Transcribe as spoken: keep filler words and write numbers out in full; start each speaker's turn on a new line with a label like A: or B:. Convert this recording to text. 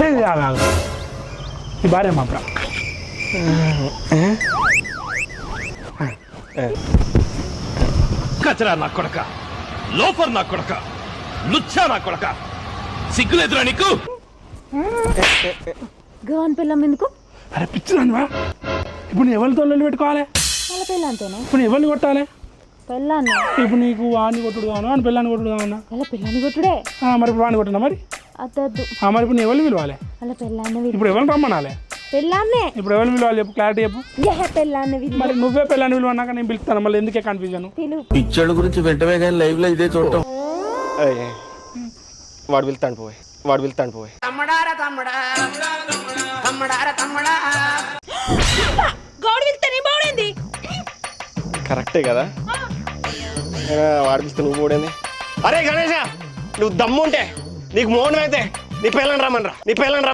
A: ఈ భార్య మాత్రం
B: కచరా నా కొడక, లోఫర్ నా కొడక, లుచ్చా నా కొడక, సిగ్గులేదురా నీకు?
C: గవన్ పిల్లం ఎందుకు?
A: అరే పిచ్చిదానివా, ఇప్పుడు నువ్వు ఎవరితో లొల్లి పెట్టుకోవాలి?
C: వాళ్ళ పిల్లంతేనా?
A: ఇప్పుడు నువ్వు ఎవరిని కొట్టాలి?
C: పెళ్ళాన్ని.
A: ఇప్పుడు నీకు వాడిని కొట్టుడు కాను అని పిల్లాన్ని కొట్టుడు కావన్నా?
C: వాళ్ళ పిల్లని కొట్టుడే.
A: మరి ఇప్పుడు వాడిని కొట్టినా మరి?
C: అద్దద్దు.
A: మరి ఇప్పుడు నువ్వు ఎవరిని పిలవాలి?
C: వాళ్ళ పిల్లాన్ని.
A: ఇప్పుడు ఎవరిని రమ్మనాలి?
C: పెళ్ళాన్నే.
A: ఇప్పుడు ఎవరిని పిలవాలి చెప్పు, క్లారిటీ చెప్పు.
C: పెళ్ళాన్ని.
A: మరి నువ్వే పిల్లాన్ని పిలువన్నాక నేను పిలుస్తాను, మళ్ళీ ఎందుకే కన్ఫ్యూజన్?
D: పిచ్చోళ్ళ గురించి వెంటనే కానీ లైవ్ లో ఇదే చూడటం. వాడు వెళ్తాను పోయి, వాడు వెళ్తాను పోయి. కరెక్టే కదా, వాడు పిలిస్తే నువ్వు పోడేంది? అరే గణేష, నువ్వు దమ్ము ఉంటే నీకు మోహన్ అయితే నీ పిల్లని రమ్మని రా, నీ పిల్లని